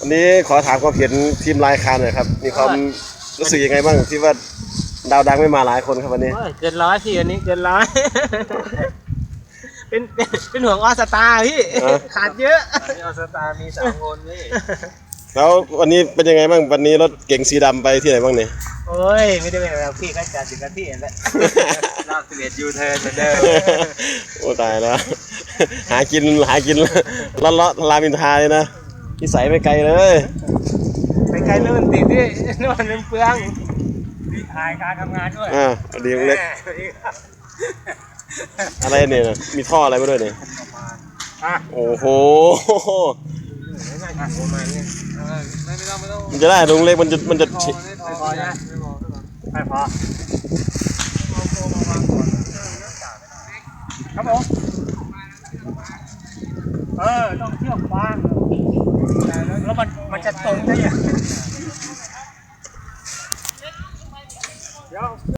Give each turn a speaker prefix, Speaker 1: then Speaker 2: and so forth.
Speaker 1: วันนี้ขอถามความเห็นทีมลายคานหน่อยครับมีความรู้สึกยังไงบ้างที่ว่าดาวดังไม่มาหลายคนครับวันนี้
Speaker 2: เกินร้อยพี่อันนี้เกินร้อย เป็นห่วงออสตาพี่ขาดเยอะออสตามี3 คนนี่
Speaker 1: แล้ววันนี้เป็นยังไงบ้างวันนี้รถเก๋งสีดำไปที่ไหนบ้างเนี่ย
Speaker 2: โอ้ยไม่ได้เป็นแบบพี่ก็จัดถึงกันที่เห็นแล้วรอบ11ยูเทิร์นเหมือนเดิม
Speaker 1: โอ้ตายแล้วหากินเลาะรามอินทราเลยนะนิสัยไม่ไกลเลย
Speaker 2: ไปไกลเรื่องติดด้วยนอนเป็นเปลืองพี่ถ่ายการทำงานด้วย
Speaker 1: ดีเล็กอะไรเนี่ยมีท่ออะไรมาด้วยเนี่ยโอ้โหมันจะได้ลุงเล็กมันจะ
Speaker 2: ไม่พอนะไม่พอครับผมต้องเที่ยวกว้างแล้วมันจะตรงได้ยัง